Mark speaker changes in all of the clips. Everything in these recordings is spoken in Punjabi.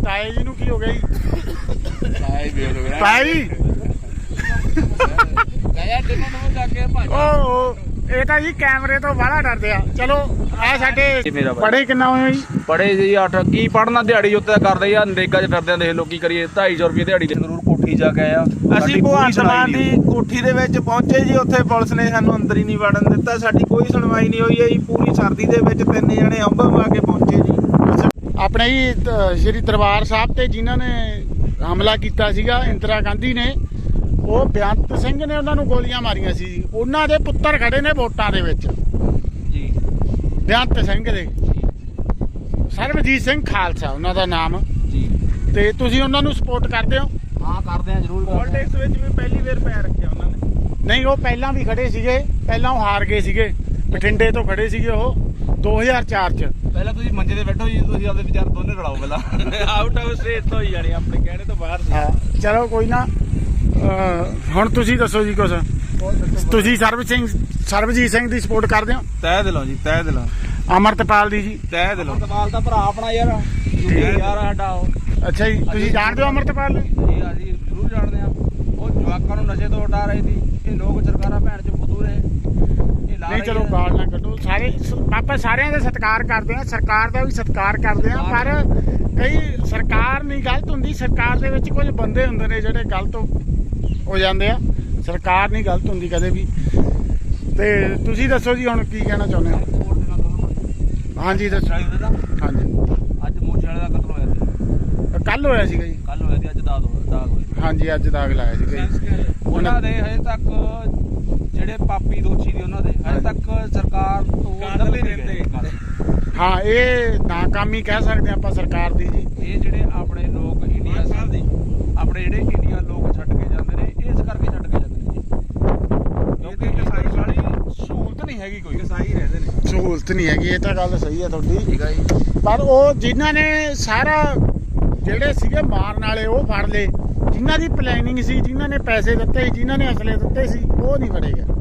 Speaker 1: ਤਾਏ ਜੀ ਨੂੰ ਕੀ ਹੋ ਗਿਆ ਜੀ? ਤਾਈ ਇਹ ਤਾਂ ਜੀ ਕੈਮਰੇ ਤੋਂ ਬਾਹਲਾ ਡਰਦੇ ਆ। ਚਲੋ ਆ ਸਾਡੇ ਪੜ੍ਹੇ ਕਿੰਨਾ ਹੋਏ ਜੀ?
Speaker 2: ਪੜ੍ਹੇ ਜੀ 8 ਕੀ ਪੜ੍ਹਨਾ, ਦਿਹਾੜੀ ਉੱਤੇ ਕਰਦੇ ਆ, ਨਰੇਗਾ 'ਚ ਫਿਰਦੇ ਆ। ਦੇਖ ਲੋ ਕੀ ਕਰੀਏ, 250 ਰੁਪਏ ਦਿਹਾੜੀ ਦੇ ਜ਼ਰੂਰ ਕੋਠੀ ਜਾ ਕੇ ਆਇਆ।
Speaker 3: ਅਸੀਂ ਭਗਵੰਤ ਮਾਨ ਦੀ ਕੋਠੀ ਦੇ ਵਿੱਚ ਪਹੁੰਚੇ ਜੀ, ਉੱਥੇ ਪੁਲਿਸ ਨੇ ਸਾਨੂੰ ਅੰਦਰ ਹੀ ਨਹੀਂ ਵੜਨ ਦਿੱਤਾ। ਸਾਡੀ ਕੋਈ ਸੁਣਵਾਈ ਨਹੀਂ ਹੋਈ ਹੈ ਜੀ। ਪੂਰੀ ਸਰਦੀ ਦੇ ਵਿੱਚ 3 ਜਣੇ ਅੰਬ ਮਾ ਕੇ ਪਹੁੰਚੇ ਜੀ।
Speaker 1: ਆਪਣੇ ਜੀ ਸ਼੍ਰੀ ਦਰਬਾਰ ਸਾਹਿਬ ਤੇ ਜਿਨ੍ਹਾਂ ਨੇ ਹਮਲਾ ਕੀਤਾ ਸੀਗਾ ਇੰਦਰਾ ਗਾਂਧੀ ਨੇ, ਉਹ ਬੇਅੰਤ ਸਿੰਘ ਨੇ ਉਹਨਾਂ ਨੂੰ ਗੋਲੀਆਂ ਮਾਰੀਆਂ ਸੀ ਜੀ। ਉਹਨਾਂ ਦੇ ਪੁੱਤਰ ਖੜੇ ਨੇ ਵੋਟਾਂ ਦੇ ਵਿੱਚ
Speaker 2: ਜੀ,
Speaker 1: ਬੇਅੰਤ ਸਿੰਘ ਦੇ, ਸਰਬਜੀਤ ਸਿੰਘ ਖਾਲਸਾ ਉਹਨਾਂ ਦਾ ਨਾਮ
Speaker 2: ਜੀ।
Speaker 1: ਤੇ ਤੁਸੀਂ ਉਹਨਾਂ ਨੂੰ ਸਪੋਰਟ ਕਰਦੇ ਹੋ?
Speaker 2: ਹਾਂ ਕਰਦੇ ਆ ਜ਼ਰੂਰ।
Speaker 3: ਪੋਲਿਟਿਕਸ ਵਿੱਚ ਵੀ ਪਹਿਲੀ ਵਾਰ ਪੈਰ ਰੱਖਿਆ ਉਹਨਾਂ ਨੇ।
Speaker 1: ਨਹੀਂ, ਉਹ ਪਹਿਲਾਂ ਵੀ ਖੜੇ ਸੀਗੇ, ਪਹਿਲਾਂ ਉਹ ਹਾਰ ਗਏ ਸੀਗੇ, ਬਠਿੰਡੇ ਤੋਂ ਖੜੇ ਸੀਗੇ ਉਹ 2004 ਚ।
Speaker 2: ਪਹਿਲਾਂ ਤੁਸੀਂ ਮੰਜੇ ਤੇ ਬੈਠੋ ਜੀ, ਤੁਸੀਂ ਆਪਦੇ ਵਿਚਾਰ ਦੋਨੇ ਲੜਾਓ ਪਹਿਲਾਂ।
Speaker 3: ਆਊਟ ਆਫ ਸਟੇਟ ਤੋਂ ਹੀ ਜਾਣੀ, ਆਪਣੇ ਕਹਿਣੇ ਤੋਂ ਬਾਹਰ ਸੀ।
Speaker 1: ਹਾਂ ਚਲੋ ਕੋਈ ਨਾ। ਹੁਣ ਤੁਸੀਂ ਦੱਸੋ ਜੀ ਕੁਛ। ਤੁਸੀਂ ਸਰਬਜੀਤ ਸਿੰਘ ਦੀ ਸਪੋਰਟ ਕਰਦੇ ਹੋ?
Speaker 3: ਤਹਿ ਦਿਲੋਂ ਜੀ, ਤਹਿ ਦਿਲੋਂ।
Speaker 1: ਅਮਰਤਪਾਲ ਦੀ ਜੀ?
Speaker 3: ਤਹਿ ਦਿਲੋਂ।
Speaker 2: ਅਮਰਤਪਾਲ ਦਾ ਭਰਾ ਆਪਣਾ ਯਾਰ, ਯਾਰ ਸਾਡਾ ਉਹ।
Speaker 1: ਅੱਛਾ ਜੀ, ਤੁਸੀਂ ਜਾਣਦੇ ਹੋ ਅਮਰਤਪਾਲ ਨੂੰ?
Speaker 2: ਜੀ ਅਸੀਂ ਜ਼ਰੂਰ ਜਾਣਦੇ ਆ। ਉਹ ਜਵਾਕਾਂ ਨੂੰ ਨਸ਼ੇ ਤੋਂ ਹਟਾ ਰਹੀ ਸੀ। ਇਹ ਲੋਕ ਸਰਕਾਰਾਂ ਭੈਣ ਚ ਫੁੱਦੂ ਰਹੇ।
Speaker 1: ਨਹੀਂ ਚਲੋ ਗਾਲ ਨਾ ਕੱਢੋ। ਸਾਰੇ ਆਪਾਂ ਸਾਰਿਆਂ ਦਾ ਸਤਿਕਾਰ ਕਰਦੇ ਆ, ਸਰਕਾਰ ਦਾ ਵੀ ਸਤਿਕਾਰ ਕਰਦੇ ਆ, ਪਰ ਕਈ ਸਰਕਾਰ ਨਹੀਂ ਗਲਤ ਹੁੰਦੀ। ਸਰਕਾਰ ਦੇ ਵਿੱਚ ਕੁਝ ਬੰਦੇ ਹੁੰਦੇ ਨੇ ਜਿਹੜੇ ਗਲਤ ਹੋ ਜਾਂਦੇ ਆ। ਸਰਕਾਰ ਨਹੀਂ ਗਲਤ ਹੁੰਦੀ ਕਦੇ ਵੀ। ਤੇ ਤੁਸੀਂ ਦੱਸੋ ਜੀ ਹੁਣ ਕੀ ਕਹਿਣਾ ਚਾਹੁੰਦੇ ਹੋ? ਹਾਂਜੀ ਦੱਸੋ। ਹਾਂਜੀ
Speaker 2: ਅੱਜ ਮੂਸੇ ਵਾਲੇ ਦਾ ਕਤਲ ਹੋਇਆ ਸੀ।
Speaker 1: ਕੱਲ ਹੋਇਆ ਸੀਗਾ ਜੀ?
Speaker 2: ਕੱਲ ਹੋਇਆ ਸੀ, ਅੱਜ ਦਾਗ ਹੋਇਆ।
Speaker 1: ਹਾਂਜੀ ਅੱਜ ਦਾਗ ਲਾਇਆ ਸੀਗਾ ਜੀ।
Speaker 2: ਉਹਨਾਂ ਦੇ ਹਜੇ ਤੱਕ ਜਿਹੜੇ ਪਾਪੀ ਦੋਸ਼ੀ ਦੀ, ਉਹਨਾਂ ਦੇ ਹਜੇ ਤੱਕ ਸਰਕਾਰ ਤੋਂ ਲੱਭੇ ਨਹੀਂ ਗਏ।
Speaker 1: ਹਾਂ ਇਹ ਨਾਕਾਮੀ ਕਹਿ ਸਕਦੇ ਆਪਾਂ ਸਰਕਾਰ ਦੀ ਜੀ।
Speaker 2: ਇਹ ਜਿਹੜੇ ਆਪਣੇ ਲੋਕ ਇੰਡੀਆ ਦੇ, ਆਪਣੇ ਜਿਹੜੇ ਇੰਡੀਆ ਲੋਕ ਛੱਡ ਕੇ ਜਾਂਦੇ ਨੇ, ਇਸ ਕਰਕੇ ਛੱਡ ਕੇ ਜਾਂਦੇ ਨੇ ਜੀ।
Speaker 3: ਕਿਉਂਕਿ ਕਸਾਈ ਵਾਲੀ ਸਹੂਲਤ ਨਹੀਂ ਹੈਗੀ, ਕੋਈ ਕਸਾਈ ਰਹਿੰਦੇ ਨੇ।
Speaker 1: ਸਹੂਲਤ ਨਹੀਂ ਹੈਗੀ, ਇਹ ਤਾਂ ਗੱਲ ਸਹੀ ਹੈ ਤੁਹਾਡੀ।
Speaker 2: ਠੀਕ ਹੈ ਜੀ।
Speaker 1: ਪਰ ਉਹ ਜਿਨ੍ਹਾਂ ਨੇ ਸਾਰਾ ਜਿਹੜੇ ਸੀਗੇ ਮਾਰਨ ਵਾਲੇ ਉਹ ਫੜ ਲਏ, ਜਿਨ੍ਹਾਂ ਦੀ ਪਲੈਨਿੰਗ ਸੀ, ਜਿਨ੍ਹਾਂ ਨੇ ਪੈਸੇ ਦਿੱਤੇ ਸੀ, ਜਿਨ੍ਹਾਂ ਨੇ ਅਸਲੇ ਦਿੱਤੇ ਸੀ, ਉਹ ਨਹੀਂ ਫੜੇ ਗਏ।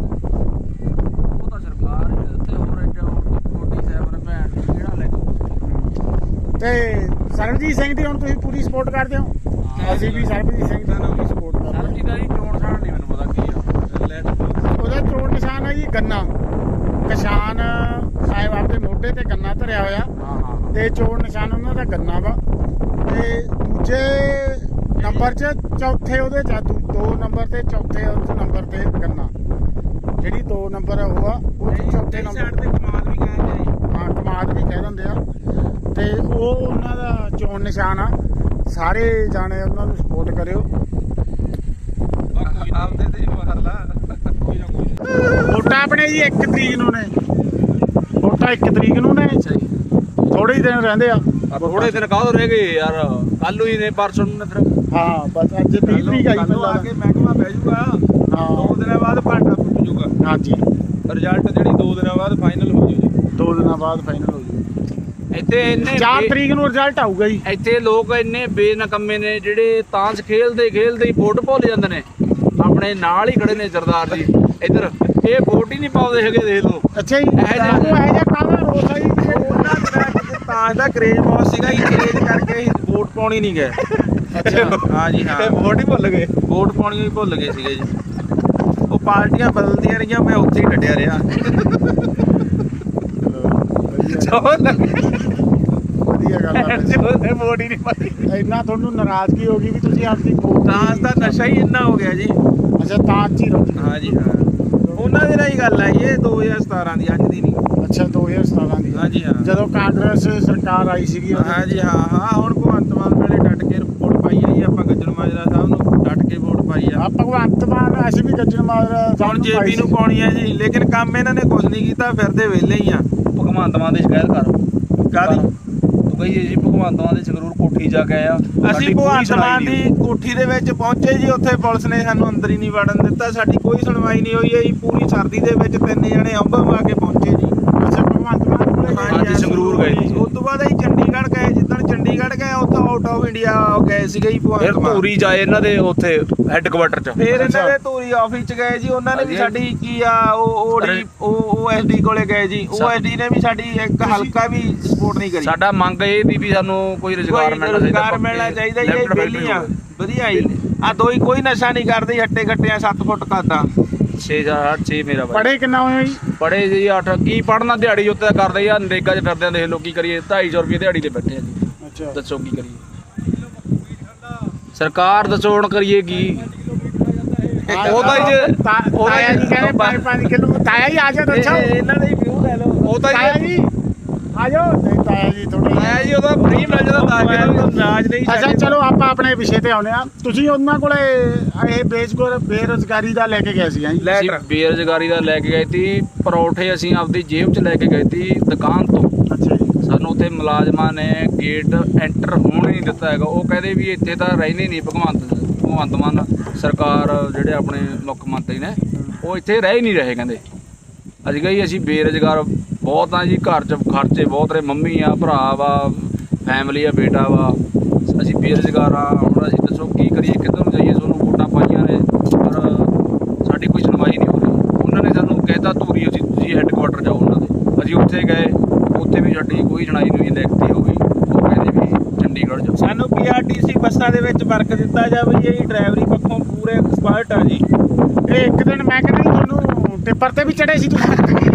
Speaker 2: ਉਹ ਤਾਂ ਸਰਕਾਰ ਹੀ ਦਿੱਤੇ, ਹੋਰ ਕੋਟੀ ਸਾਹਿਬ ਨੇ ਭੈਣ ਦੀ ਕਿਹੜਾ ਲੈ ਕੇ।
Speaker 1: ਤੇ ਸਰਬਜੀਤ ਸਿੰਘ ਦੀ ਹੁਣ ਤੁਸੀਂ ਪੂਰੀ ਸਪੋਰਟ ਕਰਦੇ ਹੋ? ਅਸੀਂ ਵੀ ਸਰਬਜੀਤ ਸਿੰਘ ਦਾ ਨਾਮ ਸਪੋਰਟ ਕਰਦੇ ਹਾਂ।
Speaker 2: ਸਰਬਜੀਤ ਦਾ ਜੀ ਚੋਣ ਸਾਣ ਨਹੀਂ ਮੈਨੂੰ ਪਤਾ ਕੀ ਆ।
Speaker 1: ਉਹਦਾ ਚੋਣ ਨਿਸ਼ਾਨ ਹੈ ਜੀ ਗੰਨਾ। ਕਿਸਾਨ ਸਾਹਿਬ ਆਪਦੇ ਮੋਢੇ ਤੇ ਗੰਨਾ ਧਰਿਆ ਹੋਇਆ,
Speaker 2: ਹਾਂ।
Speaker 1: ਤੇ ਚੋਣ ਨਿਸ਼ਾਨ ਉਹਨਾਂ ਦਾ ਗੰਨਾ ਵਾ। ਤੇ ਦੂਜੇ ਨੰਬਰ 'ਚ ਚੌਥੇ ਉਹਦੇ 'ਚ 2 ਨੰਬਰ ਤੇ ਚੌਥੇ ਨੰਬਰ ਤੇ ਗੰਨਾ। ਜਿਹੜੀ 2 ਨੰਬਰ ਉਹ ਆ, ਉਹ ਚੌਥੇ ਨੰਬਰ
Speaker 3: ਤੇ ਕਮਾਲ ਵੀ ਕਹਿ ਜਾਈ।
Speaker 1: ਹਾਂ ਕਮਾਦ ਵੀ ਕਹਿ ਦਿੰਦੇ ਆ। ਤੇ ਉਹ ਉਹਨਾਂ ਦਾ ਚੋਣ ਨਿਸ਼ਾਨ ਆ। ਸਾਰੇ ਜਾਣੇ ਉਹਨਾਂ ਨੂੰ ਸਪੋਰਟ ਕਰਿਓ।
Speaker 3: ਆਪਦੇ ਤੇ ਮਹੱਲਾ
Speaker 1: ਵੋਟਾਂ ਆਪਣੇ ਜੀ 1 ਤਰੀਕ ਨੂੰ ਨੇ। ਵੋਟਾਂ 1 ਤਰੀਕ ਨੂੰ ਨੇ। ਥੋੜੇ ਹੀ ਦਿਨ ਰਹਿੰਦੇ ਆ।
Speaker 2: ਥੋੜੇ ਦਿਨ ਕਾਹਦੋਂ ਰਹਿ ਗਏ ਯਾਰ, ਕੱਲ ਨੂੰ ਹੀ ਨੇ, ਪਰਸੋਂ ਨੂੰ ਨੇ ਫਿਰ।
Speaker 1: ਹਾਂ ਬਸ ਅੱਜ 30 ਤਰੀਕ ਆਈ
Speaker 3: ਕੱਲ ਆ ਕੇ ਮਹਿਕਮਾ ਬਹਿ ਜੂਗਾ। 2 ਦਿਨਾਂ ਬਾਅਦ ਭਾਂਡਾ ਫੁੱਟ ਜੂਗਾ।
Speaker 1: ਹਾਂਜੀ
Speaker 3: ਰਿਜ਼ਲਟ ਜਿਹੜੀ 2 ਦਿਨਾਂ ਬਾਅਦ ਫਾਈਨਲ ਹੋ ਜੂ ਜੀ।
Speaker 1: 2 ਦਿਨਾਂ ਬਾਅਦ ਫਾਈਨਲ ਹੋ ਜੂ।
Speaker 2: ਇੱਥੇ ਇੰਨੇ
Speaker 1: 4 ਤਰੀਕ ਨੂੰ ਰਿਜ਼ਲਟ ਆਊਗਾ ਜੀ।
Speaker 2: ਇੱਥੇ ਲੋਕ ਇੰਨੇ ਬੇਨਕੰਮੇ ਨੇ ਜਿਹੜੇ ਤਾਂਸ ਖੇਲਦੇ ਹੀ ਵੋਟ ਭੁੱਲ ਜਾਂਦੇ ਨੇ। ਆਪਣੇ ਨਾਲ ਹੀ ਖੜੇ ਨੇ ਸਰਦਾਰ ਜੀ ਇੱਧਰ, ਇਹ ਵੋਟ ਹੀ ਨਹੀਂ ਪਾਉਂਦੇ ਹੈਗੇ। ਦੇਖ ਲਓ।
Speaker 1: ਅੱਛਾ ਜੀ, ਇਹ ਜਿਹਾ ਕਾਹਦਾ ਰੋਸ ਆ ਜੀ?
Speaker 3: ਉਹਨਾਂ ਦਿਨਾਂ ਤਾਂ ਦਾ ਕਰੇਜ ਬਹੁਤ ਸੀਗਾ ਜੀ, ਕਰੇਜ ਕਰਕੇ ਅਸੀਂ ਵੋਟ ਪਾਉਣੀ ਨਹੀਂ ਗਏ।
Speaker 1: ਅੱਛਾ
Speaker 3: ਹਾਂ ਜੀ, ਹਾਂ ਵੋਟ ਹੀ ਭੁੱਲ ਗਏ। ਵੋਟ ਪਾਉਣੀ ਹੀ ਭੁੱਲ ਗਏ ਸੀਗੇ ਜੀ। ਉਹ ਪਾਰਟੀਆਂ ਬਦਲਦੀਆਂ ਰਹੀਆਂ, ਮੈਂ ਉੱਥੇ ਹੀ ਡਟਿਆ ਰਿਹਾ।
Speaker 1: ਵਧੀਆ ਗੱਲ ਆ।
Speaker 3: ਵੋਟ ਹੀ ਨਹੀਂ ਪਾਈ।
Speaker 1: ਇੰਨਾ ਤੁਹਾਨੂੰ ਨਾਰਾਜ਼ਗੀ ਹੋ ਗਈ ਵੀ ਤੁਸੀਂ ਆਪਦੀ ਵੋਟ
Speaker 3: ਤਾਂ ਦਾ ਨਸ਼ਾ ਹੀ ਇੰਨਾ ਹੋ ਗਿਆ ਜੀ।
Speaker 1: ਅੱਛਾ ਤਾਂ ਚ ਹੀ ਰਹੋ।
Speaker 3: ਹਾਂ ਜੀ, ਹਾਂ ਉਹਨਾਂ ਦੇ ਨਾਲ ਹੀ ਗੱਲ ਹੈ। ਇਹ 2017 ਦੀ, ਅੱਜ ਦੀ ਨਹੀਂ।
Speaker 1: ਅੱਛਾ 2017 ਦੀ।
Speaker 3: ਹਾਂ ਜੀ, ਹਾਂ
Speaker 1: ਜਦੋਂ ਕਾਂਗਰਸ ਸਰਕਾਰ ਆਈ ਸੀਗੀ।
Speaker 3: ਹਾਂ ਜੀ, ਹਾਂ ਹੁਣ ਭਗਵੰਤ ਮਾਨ ਵੇਲੇ ਡਟ ਕੇ ਵੋਟ ਪਾਈ ਆ ਜੀ ਆਪਾਂ। ਗੱਜਣ ਮਾਜਰਾ ਸਾਹਿਬ ਨੂੰ ਡਟ ਕੇ ਵੋਟ ਪਾਈ ਆ।
Speaker 1: ਭਗਵੰਤ ਮਾਨ ਅਸੀਂ ਵੀ ਗੱਜਣ ਮਾਜਰਾ
Speaker 3: ਹੁਣ ਜੇਪੀ ਨੂੰ ਪਾਉਣੀ ਹੈ ਜੀ, ਲੇਕਿਨ ਕੰਮ ਇਹਨਾਂ ਨੇ ਕੁਝ ਨਹੀਂ ਕੀਤਾ, ਫਿਰਦੇ ਵਿਹਲੇ ਹੀ ਆ।
Speaker 2: ਭਗਵੰਤ ਮਾਨ ਦੀ ਸ਼ਿਕਾਇਤ ਕਰ।
Speaker 3: ਕਾਹਦੀ?
Speaker 2: ਤੂੰ ਕਹੀ ਜੀ ਭਗਵੰਤ ਮਾਨ ਦੇ ਸੰਗਰੂਰ ਕੋਠੀ ਜਾ ਕੇ ਆਇਆ।
Speaker 3: ਅਸੀਂ ਭਗਵੰਤ ਮਾਨ ਦੀ ਕੋਠੀ ਦੇ ਵਿੱਚ ਪਹੁੰਚੇ ਜੀ, ਉੱਥੇ ਪੁਲਿਸ ਨੇ ਸਾਨੂੰ ਅੰਦਰ ਹੀ ਨਹੀਂ ਵੜਨ ਦਿੱਤਾ। ਸਾਡੀ ਕੋਈ ਸੁਣਵਾਈ ਨਹੀਂ ਹੋਈ ਹੈ ਜੀ। ਪੂਰੀ ਸਰਦੀ ਦੇ ਵਿੱਚ 3 ਜਣੇ ਅੰਬ ਮਾ ਕੇ ਪਹੁੰਚੇ ਜੀ।
Speaker 1: ਅੱਛਾ ਭਗਵੰਤ ਮਾਨ ਕੋਲੇ
Speaker 3: ਹਾਂ ਜੀ, ਸੰਗਰੂਰ ਗਏ ਜੀ। ਉਸ ਤੋਂ ਬਾਅਦ ਅਸੀਂ ਚੰਡੀਗੜ੍ਹ ਗਏ। ਜਿੱਦਣ ਚੰਡੀਗੜ੍ਹ ਗਏ, ਉੱਥੋਂ ਆਊਟ ਆਫ ਇੰਡੀਆ ਗਏ ਸੀਗੇ ਜੀ
Speaker 2: ਫਿਰ
Speaker 3: ਭਗਵੰਤ ਮਾਨ।
Speaker 2: ਧੂਰੀ ਜਾਏ ਇਹਨਾਂ ਦੇ ਉੱਥੇ ਹੈੱਡਕੁਆਟਰ 'ਚ।
Speaker 3: ਫਿਰ ਇਹਨਾਂ ਦੇ ਧੂਰੀ ਆਫਿਸ ਚ ਗਏ ਜੀ, ਉਹਨਾਂ ਨੇ ਵੀ ਸਾਡੀ ਕੀ ਆ OSD ਕੋਲੇ ਗਏ ਜੀ। OSD ਨੇ ਵੀ ਸਾਡੀ ਇੱਕ ਹਲਕਾ ਵੀ ਸਪੋਰਟ ਨਹੀਂ ਕਰੀ।
Speaker 2: ਸਾਡਾ ਮੰਗ ਇਹ ਦੀ ਵੀ ਸਾਨੂੰ ਕੋਈ ਰੁਜ਼ਗਾਰ
Speaker 3: ਮਿਲਣਾ ਚਾਹੀਦਾ ਜੀ। ਇਹ ਵਿਹਲੀਆਂ ਵਧੀਆ ਜੀ ਆ ਕੋਈ ਨਸ਼ਾ ਨਹੀਂ ਕਰਦੇ, ਹੱਟੇ ਘੱਟਿਆਂ 7 ਫੁੱਟ ਕਰਦਾ।
Speaker 2: 6 ਮੇਰਾ ਬਾਈ।
Speaker 1: ਪੜ੍ਹੇ ਕਿੰਨਾ ਹੋਏ ਜੀ?
Speaker 2: ਪੜ੍ਹੇ ਜੀ 8 ਕੀ ਪੜ੍ਹਨਾ, ਦਿਹਾੜੀ ਉੱਤੇ ਕਰਦੇ ਆ, ਨਰੇਗਾ 'ਚ ਫਿਰਦੇ ਆ, ਦੇਖ ਲਓ ਕੀ ਕਰੀਏ। 250 ਰੁਪਏ ਦਿਹਾੜੀ ਤੇ ਬੈਠੇ ਆ ਜੀ।
Speaker 1: ਅੱਛਾ
Speaker 2: ਦੱਸੋ ਕੀ ਕਰੀਏ, ਸਰਕਾਰ ਦੱਸੋ ਹੁਣ ਕਰੀਏ ਕੀ। ਉਹ ਤਾਂ ਜੀ
Speaker 1: ਤਾਇਆ ਜੀ ਕਹਿੰਦੇ 5 ਕਿਲੋ। ਤਾਇਆ ਜੀ ਆ ਜਾਓ, ਦੱਸੋ
Speaker 3: ਇਹਨਾਂ ਦੇ ਵਿਊ ਲੈ ਲਓ।
Speaker 2: ਉਹ ਤਾਂ
Speaker 1: ਤਾਇਆ ਜੀ ਆ ਜਾਓ। ਨਹੀਂ ਤਾਇਆ ਜੀ ਥੋੜਾ
Speaker 2: ਆਇਆ ਜੀ, ਉਹਦਾ ਫ੍ਰੀ ਮਿਲ ਜਾਂਦਾ ਤਾਂ
Speaker 3: ਨਾਜ ਨਹੀਂ
Speaker 1: ਅੱਛਾ ਚਲੋ ਆਪਾਂ ਆਪਣੇ ਵਿਸ਼ੇ ਤੇ ਆਉਂਦੇ ਆ। ਤੁਸੀਂ ਉਹਨਾਂ ਕੋਲੇ ਇਹ ਬੇਰੁਜ਼ਗਾਰੀ ਦਾ ਲੈ ਕੇ ਗਏ ਸੀ ਜੀ?
Speaker 2: ਅਸੀਂ ਬੇਰੁਜ਼ਗਾਰੀ ਦਾ ਲੈ ਕੇ ਗਏ ਸੀ। ਪਰੌਠੇ ਅਸੀਂ ਆਪਦੀ ਜੇਬ 'ਚ ਲੈ ਕੇ ਗਏ ਸੀ ਦੁਕਾਨ ਤੋਂ।
Speaker 1: ਅੱਛਾ ਜੀ।
Speaker 2: ਸਾਨੂੰ ਉੱਥੇ ਮੁਲਾਜ਼ਮਾਂ ਨੇ ਗੇਟ ਐਂਟਰ ਹੋਣ ਹੀ ਨਹੀਂ ਦਿੱਤਾ ਹੈਗਾ। ਉਹ ਕਹਿੰਦੇ ਵੀ ਇੱਥੇ ਤਾਂ ਰਹਿੰਦੇ ਨਹੀਂ ਭਗਵੰਤ ਮਾਨ ਸਰਕਾਰ, ਜਿਹੜੇ ਆਪਣੇ ਮੁੱਖ ਮੰਤਰੀ ਨੇ, ਉਹ ਇੱਥੇ ਰਹਿ ਹੀ ਨਹੀਂ ਰਹੇ। ਕਹਿੰਦੇ ਅਸੀਂ ਕਹੀ ਅਸੀਂ ਬੇਰੁਜ਼ਗਾਰ ਬਹੁਤ ਆ ਜੀ, ਘਰ 'ਚ ਖਰਚੇ ਬਹੁਤ ਨੇ, ਮੰਮੀ ਆ, ਭਰਾ ਵਾ, ਫੈਮਿਲੀ ਆ, ਬੇਟਾ ਵਾ, ਅਸੀਂ ਬੇਰੁਜ਼ਗਾਰ ਆ। ਹੁਣ ਅਸੀਂ ਦੱਸੋ ਕੀ ਕਰੀਏ, ਕਿੱਧਰ ਨੂੰ ਜਾਈਏ? ਤੁਹਾਨੂੰ ਵੋਟਾਂ ਪਾਈਆਂ ਨੇ ਪਰ ਸਾਡੀ ਕੋਈ ਸੁਣਵਾਈ ਨਹੀਂ ਹੋ ਰਹੀ। ਉਹਨਾਂ ਨੇ ਸਾਨੂੰ ਕਹਿਤਾ ਧੂਰੀ ਤੁਸੀਂ ਹੈੱਡਕੁਆਟਰ ਜਾਓ ਉਹਨਾਂ ਦੇ। ਅਸੀਂ ਉੱਥੇ ਗਏ, ਉੱਥੇ ਵੀ ਸਾਡੀ ਕੋਈ ਸੁਣਾਈ ਨਹੀਂ ਲਿਖਤੀ ਹੋ ਗਈ। ਉਹ ਕਹਿੰਦੇ ਵੀ ਚੰਡੀਗੜ੍ਹ ਜਾਓ।
Speaker 3: ਸਾਨੂੰ PRTC ਬੱਸਾਂ ਦੇ ਵਿੱਚ ਵਰਕ ਦਿੱਤਾ ਜਾਵੇ ਜੀ। ਡਰਾਈਵਰੀ ਪੱਖੋਂ ਪੂਰੇ ਐਕਸਪਰਟ ਆ ਜੀ।
Speaker 1: ਇਹ ਇੱਕ ਦਿਨ ਮੈਂ ਕਹਿੰਦਾ ਤੁਹਾਨੂੰ ਟਿੱਪਰ ਤੇ ਵੀ ਚੜੇ ਸੀ ਤੁਸੀਂ?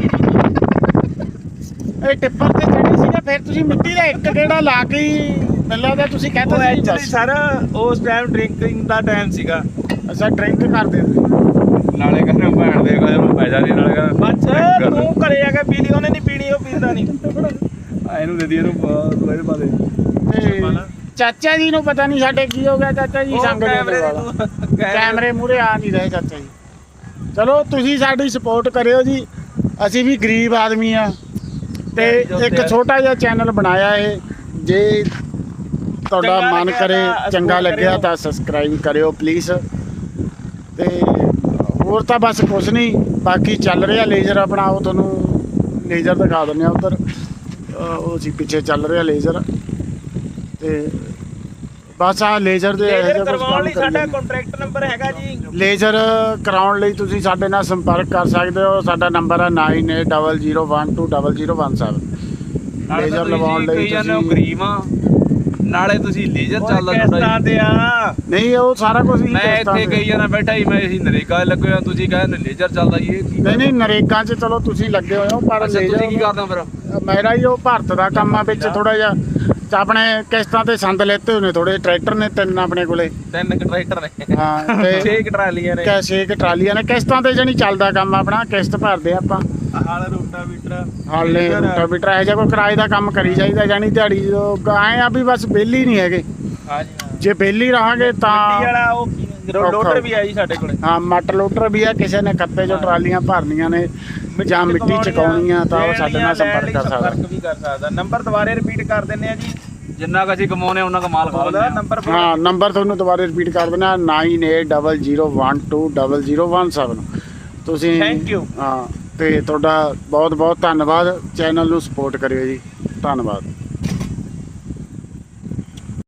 Speaker 1: ਇਹ ਟਿੱਪਰ ਤੇ ਚੜੇ ਸੀ ਤਾਂ ਫਿਰ ਤੁਸੀਂ ਮਿੱਟੀ ਦਾ ਇੱਕ ਗੇੜਾ ਲਾ ਕੇ ਮੈਨੂੰ ਲੱਗਦਾ ਤੁਸੀਂ ਕਹਿੰਦੇ ਸੀ
Speaker 3: ਐਕਚੁਅਲੀ ਸਰ ਉਸ ਟਾਈਮ ਡਰਿੰਕਿੰਗ ਦਾ ਟਾਈਮ ਸੀਗਾ।
Speaker 1: ਅੱਛਾ ਡਰਿੰਕ ਕਰਦੇ
Speaker 2: ਨਾਲੇ ਕਹਿੰਦੇ ਭੈਣ ਦੇ ਕਹਿੰਦੇ ਮੈਂ ਪੈਸਾ ਨਹੀਂ, ਨਾਲੇ
Speaker 3: ਬੱਚ ਤੂੰ ਘਰੇ ਆ ਕੇ ਪੀ ਲਈ, ਉਹਨੇ ਨਹੀਂ ਪੀਣੀ, ਉਹ ਪੀਂਦਾ ਨਹੀਂ।
Speaker 2: ਇਹਨੂੰ ਦੇ ਦੀ, ਇਹਨੂੰ ਥੋੜੇ ਪਾ ਦੇ।
Speaker 1: ਤੇ ਚਾਚਾ ਜੀ ਨੂੰ ਪਤਾ ਨਹੀਂ ਸਾਡੇ ਕੀ ਹੋ ਗਿਆ। ਚਾਚਾ ਜੀ ਸੰਗ ਦੇ ਕੈਮਰੇ ਮੂਹਰੇ ਆ ਨਹੀਂ ਰਹੇ ਚਾਚਾ ਜੀ। ਚਲੋ ਤੁਸੀਂ ਸਾਡੀ ਸਪੋਰਟ ਕਰਿਓ ਜੀ। ਅਸੀਂ ਵੀ ਗਰੀਬ ਆਦਮੀ ਆ ਤੇ ਇੱਕ ਛੋਟਾ ਜਿਹਾ ਚੈਨਲ ਬਣਾਇਆ ਇਹ। ਜੇ ਤੁਹਾਡਾ ਮਨ ਕਰੇ, ਚੰਗਾ ਲੱਗਿਆ ਤਾਂ ਸਬਸਕ੍ਰਾਈਬ ਕਰਿਓ ਪਲੀਜ਼। ਤੇ ਹੋਰ ਤਾਂ ਬਸ ਕੁਛ ਨਹੀਂ, ਬਾਕੀ ਚੱਲ ਰਿਹਾ ਲੇਜ਼ਰ ਆਪਣਾ। ਉਹ ਤੁਹਾਨੂੰ ਲੇਜ਼ਰ ਦਿਖਾ ਦਿੰਦੇ ਆ ਉੱਧਰ, ਉਹ ਸੀ ਪਿੱਛੇ ਚੱਲ ਰਿਹਾ ਲੇਜ਼ਰ। ਤੇ ਬਸ ਆਹ ਲੇਜ਼ਰ ਦੇ
Speaker 3: ਕਰਵਾਉਣ ਲਈ ਸਾਡਾ ਕੰਟਰੈਕਟ ਨੰਬਰ ਹੈਗਾ ਜੀ।
Speaker 1: ਲੇਜ਼ਰ ਕਰਾਉਣ ਲਈ ਤੁਸੀਂ ਸਾਡੇ ਨਾਲ ਸੰਪਰਕ ਕਰ ਸਕਦੇ ਹੋ। ਸਾਡਾ ਨੰਬਰ ਹੈ 9800120017। ਲੇਜ਼ਰ ਲਵਾਉਣ ਲਈ
Speaker 2: ਤੁਸੀਂ ਗਰੀਬ ਆ, ਨਾਲੇ ਤੁਸੀਂ ਲੇਜ਼ਰ ਚੱਲਦਾ
Speaker 3: ਕਿਸ਼ਤਾਂ ਤੇ ਆ।
Speaker 1: ਨਹੀਂ ਉਹ ਸਾਰਾ ਕੁਝ ਹੀ
Speaker 2: ਮੈਂ ਇੱਥੇ ਕਹੀ ਜਾਣਾ ਬੈਠਾ ਹੀ, ਮੈਂ ਅਸੀਂ ਨਰੇਗਾ ਲੱਗੇ ਹੋਇਆ, ਤੁਸੀਂ ਕਹਿੰਦੇ ਲੇਜ਼ਰ ਚੱਲਦਾ ਜੀ। ਇਹ
Speaker 1: ਨਹੀਂ ਨਰੇਗਾ 'ਚ ਚਲੋ ਤੁਸੀਂ ਲੱਗੇ ਹੋਏ ਹੋ, ਪਰ
Speaker 2: ਤੁਸੀਂ ਕੀ ਕਰਦੇ ਹੋ ਫਿਰ?
Speaker 1: ਮੇਰਾ ਹੀ ਉਹ ਭਾਰਤ ਦਾ ਕੰਮ ਆ ਵਿੱਚ ਥੋੜਾ ਜਿਹਾ। ਆਪਣੇ ਕਿਸ਼ਤਾਂ ਤੇ ਸੰਦ ਲੈਤੇ ਹੋਏ ਨੇ ਥੋੜੇ। ਟਰੈਕਟਰ ਨੇ 3 ਆਪਣੇ ਕੋਲੇ।
Speaker 3: 3 ਟਰੈਕਟਰ ਨੇ।
Speaker 1: ਹਾਂ ਤੇ
Speaker 3: 6 ਟਰਾਲੀਆਂ ਨੇ।
Speaker 1: 6 ਟਰਾਲੀਆਂ ਨੇ। ਕਿਸ਼ਤਾਂ ਤੇ ਜਾਨੀ ਚੱਲਦਾ ਕੰਮ ਆਪਣਾ, ਕਿਸ਼ਤ ਭਰਦੇ ਆਪਾਂ।
Speaker 3: ਹਾਲ ਰੋਟਾਵੀਟਰ
Speaker 1: ਹਾਲੇ ਰੋਟਾਵੀਟਰ ਇਹੋ ਜਿਹਾ ਕੋਈ ਕਿਰਾਏ ਦਾ ਕੰਮ ਕਰੀ ਜਾਈਦਾ। ਜਾਨੀ ਦਿਹਾੜੀ ਆਏ ਆ ਵੀ ਬਸ ਵਿਹਲੀ ਨਹੀਂ ਹੈਗੇ।
Speaker 3: ਹਾਂਜੀ
Speaker 1: ਜੇ ਵਿਹਲੀ ਰਹਾਂਗੇ ਤਾਂ
Speaker 3: ਮਿੱਟੀ ਵਾਲਾ ਉਹ ਲੋਡਰ ਵੀ ਆ ਜੀ ਸਾਡੇ ਕੋਲੇ।
Speaker 1: ਹਾਂ ਮੱਟ ਲੋਡਰ ਵੀ ਆ। ਕਿਸੇ ਨੇ ਖੱਤੇ 'ਚੋਂ ਟਰਾਲੀਆਂ ਭਰਨੀਆਂ ਨੇ ਜਾਂ ਮਿੱਟੀ ਚਕਾਉਣੀਆਂ ਤਾਂ ਉਹ ਸਾਡੇ ਨਾਲ ਸੰਪਰਕ ਕਰ
Speaker 3: ਸਕਦਾ। ਨੰਬਰ ਦੁਬਾਰੇ ਰਿਪੀਟ ਕਰ ਦਿੰਦੇ ਆ ਜੀ।
Speaker 2: ਜਿੰਨਾ ਕੁ ਅਸੀਂ ਕਮਾਉਨੇ ਉਹਨਾਂ ਦਾ ਮਾਲ ਖਾ ਲੈਂਦੇ ਆ।
Speaker 3: ਨੰਬਰ
Speaker 1: ਹਾਂ ਨੰਬਰ ਤੁਹਾਨੂੰ ਦੁਬਾਰੇ ਰਿਪੀਟ ਕਰ ਦੇਣਾ 9800120017। ਤੁਸੀਂ
Speaker 3: ਥੈਂਕ ਯੂ।
Speaker 1: ਹਾਂ ਤੇ ਤੁਹਾਡਾ ਬਹੁਤ ਬਹੁਤ ਧੰਨਵਾਦ। ਚੈਨਲ ਨੂੰ ਸਪੋਰਟ ਕਰਿਓ ਜੀ। ਧੰਨਵਾਦ।